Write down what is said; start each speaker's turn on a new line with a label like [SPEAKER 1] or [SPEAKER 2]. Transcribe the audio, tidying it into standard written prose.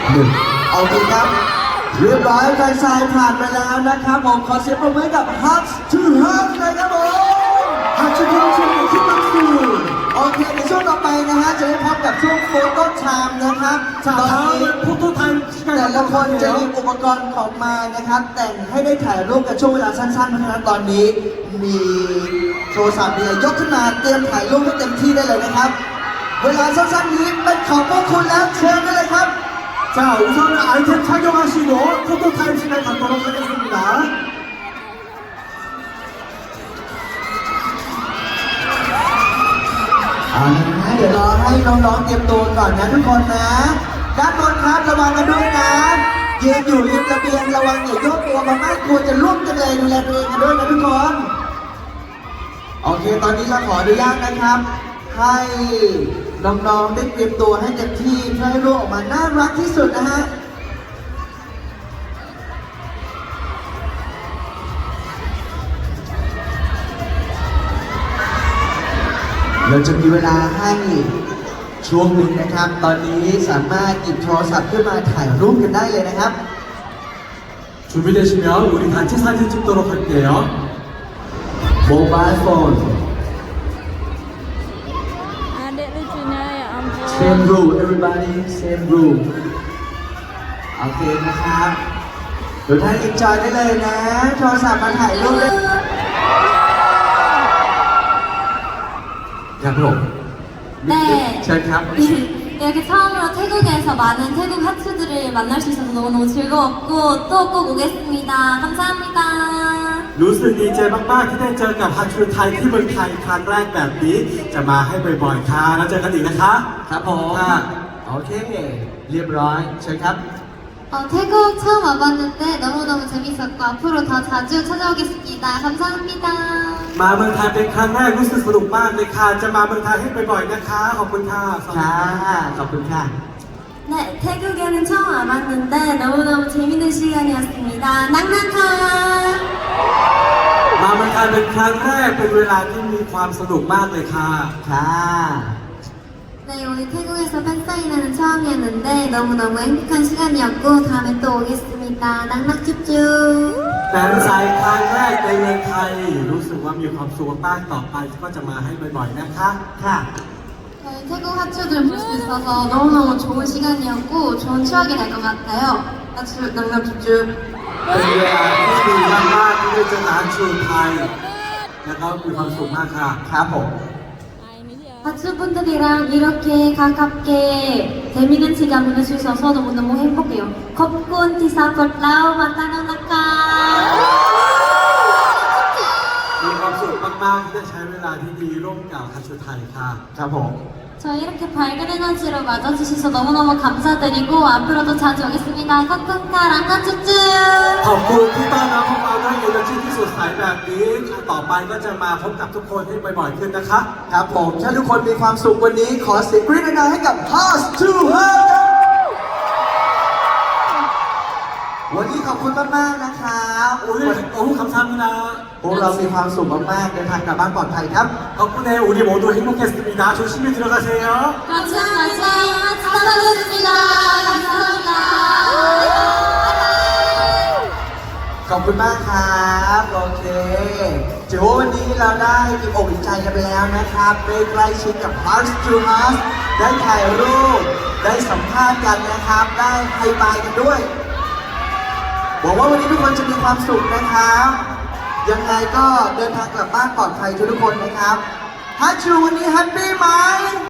[SPEAKER 1] 1โอเคครับเรียบร้อยแฟนชายผ่านไปแล้วนะครับผมขอเสียงปรบมือให้กับ Hugs to Hugs เลยครับผม Hugs to Hugs ที่ตั้งคือโอเคในช่วงต่อไปนะฮะจะได้พบกับช่วงโฟโต้ไทม์นะครับตอนนี้แต่ละคนจะมีอุปกรณ์ของมานะครับแต่งให้ได้ถ่ายรูปกันช่วงเวลาสั้นๆเพราะฉะนั้นตอนนี้มีโทรศัพท์เนี่ยยกขึ้นมาเตรียมถ่ายรูปให้เต็มที่ได้เลยนะครับเวลาสั้นๆนี้เป็นของพวกคุณแล้วเชิญได้เลยครับ
[SPEAKER 2] 자, 우선은 아이템 착용하시고 포토타임 시간 갖도록 하겠습니다.
[SPEAKER 1] เดี๋ยวรอให้น้องๆเตรียมตัวก่อนนะทุกคนนะด้านบนครับระวังกันด้วยนะยืนอยู่ริมระเบียงระวังอย่าโยกตัวมามากกลัวจะล่วงกันเลยดูแลตัวเองกันด้วยนะทุกคนโอเคตอนนี้เราขออนุญาตนะครับให้น้องๆได้เตรียมตัวให้เต็มที่เพื่อให้รูปออกมาน่ารักที่สุดนะฮะเราจะมีเวลาให้ช่วงหนึ่งนะครับ ตอนนี้สามารถหยิบโทรศัพท์ขึ้นมาถ่ายรูปกันได้เลยนะครับ
[SPEAKER 2] 준비되시면 우리 단체 사진 찍도록 할게요.
[SPEAKER 1] โมบายโฟน
[SPEAKER 3] Adik lucunya ya ampun.
[SPEAKER 1] same rule everybody same rule โอเคนะครับทุกท่าน enjoy ได้เลยนะ โทรศัพท์มาถ่ายรูปได้
[SPEAKER 2] 자, 그럼
[SPEAKER 4] 네.
[SPEAKER 2] 자,
[SPEAKER 4] 이렇게 처음으로 태국에서 많은 태국 하츠들을 만날 수 있어서 너무너무 즐거웠고 또 꼭 오겠습니다. 감사합니다.
[SPEAKER 2] รู้สึกดีใจมากๆที่ได้เจอกับฮัทชูไทยที่เมืองไทยครั้งแรกแบบนี้จะมาให้บ่อยๆค่ะแล้วเจอกันอีกนะคะ
[SPEAKER 1] ครับผม
[SPEAKER 2] ค่ะ
[SPEAKER 1] โอเค เรียบร้อยเชิญครับ
[SPEAKER 4] 태국 처음 와봤는데 너무너무 재밌었고 앞으로 더 자주 찾아오겠습니다. 감사합니다.
[SPEAKER 2] มาเมืองไทยเป็นครั้งแรกรู้สึกสนุกมากเลยค่ะจะมาเมืองไทยให้บ่อยๆนะคะขอบคุณค่ะ
[SPEAKER 1] ค่ะขอบคุณค่ะ
[SPEAKER 4] 네, 태국에는 처음 와봤는데 너무너무 재밌는 시간이었습니다. 낭낭카!
[SPEAKER 2] มาเมืองไทยเป็นครั้งแรกเป็นเวลาที่มีความสนุกมากเลยค่ะ
[SPEAKER 1] ค่ะ
[SPEAKER 4] 네, 오늘 태국에서 팬사인회는 처음이었는데 너무너무 행복한 시간이었고 다음에 또 오겠습니다. 낭낭쭈쭈!
[SPEAKER 2] แฟนไซน์ครั้งแรกในเมืองไทยรู้สึกว่ามีความสุขมากต่อไปก็จะมาให้บ่อยๆนะคะ
[SPEAKER 1] ค่ะ
[SPEAKER 4] 저희 태국 하츠들 볼 수 있어서 너무너무 좋은 시간이었고 좋은 추억이 될 것 같아요. 하츠 낭낭쭈쭈!
[SPEAKER 2] เป็นเวลาที่ดีมากๆที่ได้เจอร้านชูไทยแล้วก็มีความสุขมากค่ะ
[SPEAKER 1] ครับผม
[SPEAKER 3] Ah, ini dia.
[SPEAKER 4] 하츠분들이랑 이렇게 가깝게 재밌는 시간 보낼 수 있어서 너무너무 행복해요. 컵콘 티사포라우 마타노나카!
[SPEAKER 2] มีความสุขมากๆที่ได้ใช้เวลาที่ดีร่วมกับฮัทชูไทยค่ะ
[SPEAKER 1] ครับผม
[SPEAKER 4] 저희 이렇게 밝은 에너지로 맞아주셔서 너무너무 감사드리고 앞으로도 자주 오겠습니다. 컵콘카 랑나쭈쭈!
[SPEAKER 2] ขอบคุณที่ต้อนรับพวกเราด้วยเอเนอร์จีที่สดใสแบบนี้ต่อไปก็จะมาพบกับทุกคนให้บ่อยๆขึ้นนะคะ
[SPEAKER 1] ครับผมถ้าทุกคนมีความสุขวันนี้ขอเสียงกรี๊ดดังๆให้กับ House to Her วันนี้ขอบคุณมากๆนะครับ
[SPEAKER 2] 오늘 너무 감사합니다.
[SPEAKER 1] พวกเรามีความสุขมากๆเดินทางกลับบ้านปลอดภัยครับ
[SPEAKER 2] 덕분에 우리 모두 행복했습니다. 조심히 들어가세요.
[SPEAKER 4] 감사합니다. 감사합니다. 감사합니다.
[SPEAKER 1] ขอบคุณมากครับโอเคถือว่าวันนี้เราได้อิ่มอกอิ่มใจกันไปแล้วนะครับได้ใกล้ชิดกับ Hearts to Hearts ได้ถ่ายรูปได้สัมภาษณ์กันนะครับ ได้ไฮไฟว์กันด้วยหวังว่าวันนี้ทุกคนจะมีความสุขนะครับยังไงก็เดินทางกลับบ้านปลอดภัยทุกคนนะครับฮัทชูวันนี้แฮปปี้ไหม